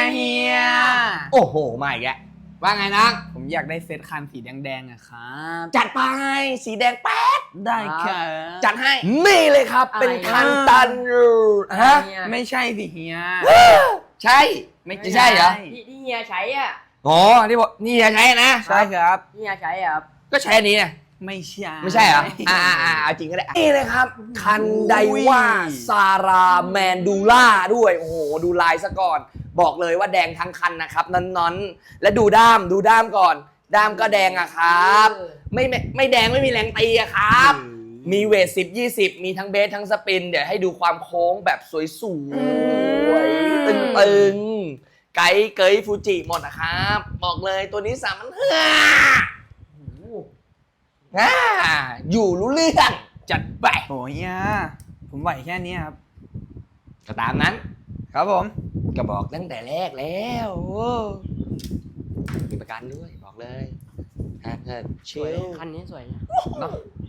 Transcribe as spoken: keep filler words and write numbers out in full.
เฮียโอ้โหมาอีกแล้วว่าไงนะผมอยากได้เซตคันสีแดงๆอะครับจัดไปสีแดงแป๊ดได้ครับจัดให้นี่เลยครับเป็นคันตันฮะไม่ใช่สิเฮียใช่ไม่ใช่เหรอที่เฮียใช้อ่ะอ๋อที่บอกนี่ใช้นะใช่ครับที่เฮียใช้อ่ะก็ใช้อันนี้นะไม่ใช่ไม่ใช่เหรออ่าอ่าเอาจริงก็ได้นี่เลยครับคันไดว่าซาราแมนดูล่าด้วยโอ้โหดูลายซะก่อนบอกเลยว่าแดงทั้งคันนะครับน้อนๆและดูด้ามดูด้ามก่อนด้ามก็แดงอะครับไม่ไม่ไม่แดงไม่มีแรงตีอะครับมีเวทสิบยี่สิบมีทั้งเบสทั้งสปินเดี๋ยวให้ดูความโค้งแบบสวยสวยตึงๆไกด์เกยฟูจิหมดนะครับบอกเลยตัวนี้สามพันห้าอ่าอยู่รู้เรื่องจัดไปโอ้ยอ่ะผมไหวแค่นี้ครับก็ตามนั้นครับผมก็บอกตั้งแต่แรกแล้วมีประกันด้วยบอกเลยฮะเชิลคันนี้สวยเนาะ